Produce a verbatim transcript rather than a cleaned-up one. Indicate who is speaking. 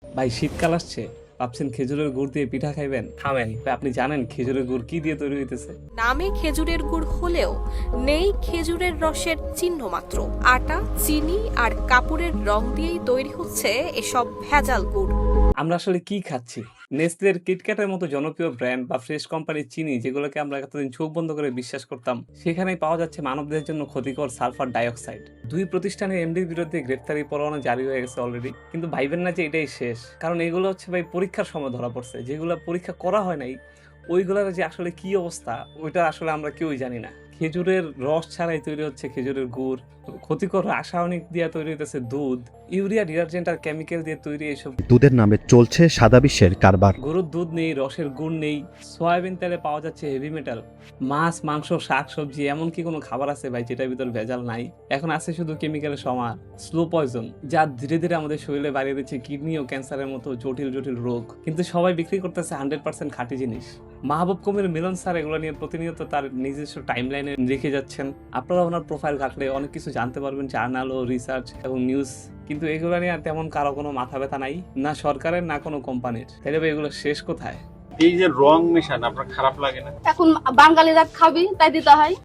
Speaker 1: ভাই শীতকাল আসছে, ভাবছেন খেজুরের গুড় দিয়ে পিঠা খাইবেন? থামেন ভাই, আপনি জানেন খেজুরের গুড় কি দিয়ে তৈরি হইতেছে?
Speaker 2: নামে খেজুরের গুড় হলেও নেই খেজুরের রসের চিহ্ন মাত্র। আটা, চিনি আর কাপড়ের রং দিয়েই তৈরি হচ্ছে এসব ভেজাল গুড়।
Speaker 1: আমরা আসলে কি খাচ্ছি? নেসলের কিটক্যাটের মতো জনপ্রিয় ব্র্যান্ড বা ফ্রেশ কোম্পানির চিনি, যেগুলোকে আমরা এতদিন চোখ বন্ধ করে বিশ্বাস করতাম, সেখানেই পাওয়া যাচ্ছে মানবদেহের জন্য ক্ষতিকর সালফার ডাইঅক্সাইড। দুই প্রতিষ্ঠানের এমডির বিরুদ্ধে গ্রেফতারি পরোয়ানা জারি হয়ে গেছে অলরেডি। কিন্তু ভাইবেন না যে এটাই শেষ, কারণ এগুলো হচ্ছে ভাই পরীক্ষার সময় ধরা পড়ছে। যেগুলো পরীক্ষা করা হয় নাই, ওইগুলোর যে আসলে কি অবস্থা, ওইটা আসলে আমরা কেউই জানি না। খেজুরের রস ছাড়াই তৈরি হচ্ছে খেজুরের গুড়, ক্ষতিকর রাসায়নিক দিয়ে তৈরি হইতেছে দুধ, ইউরিয়া ডিটারজেন্ট আর কেমিক্যাল দিয়ে তৈরি এইসব
Speaker 3: দুধের নামে চলছে সাদা বিশ্বের কারবার।
Speaker 1: গরুর দুধ নেই, রসের গুড় নেই, সয়াবিন তেলে পাওয়া যাচ্ছে হেভি মেটাল। মাছ, মাংস, শাক সবজি, এমন কি কোনো খাবার আছে ভাই যেটার ভিতর ভেজাল নাই? এখন আছে শুধু কেমিক্যালের সমার, স্লো পয়জন, যা ধীরে ধীরে আমাদের শরীরে বাড়িয়ে দিচ্ছে কিডনি ও ক্যান্সারের মতো জটিল জটিল রোগ। কিন্তু সবাই বিক্রি করতেছে হান্ড্রেড পার্সেন্ট খাঁটি জিনিস। মাহবুব কবির মিলন স্যার এগুলো নিয়ে প্রতিনিয়ত তার নিজস্ব টাইম লাইনে লিখে যাচ্ছেন। আপনারা ওনার প্রোফাইল ঘাটলে অনেক কিছু জানতে পারবেন, জার্নাল ও রিসার্চ এবং নিউজ। কিন্তু এগুলো নিয়ে আর তেমন কারো কোনো মাথা ব্যথা নাই, না সরকারের না কোনো কোম্পানির। তাহলে ভাই এগুলো শেষ কোথায়?
Speaker 4: এই যে রং মেশান আপনার খারাপ লাগে না?
Speaker 5: এখন বাঙালিরা খাবি তাই দিতে হয়।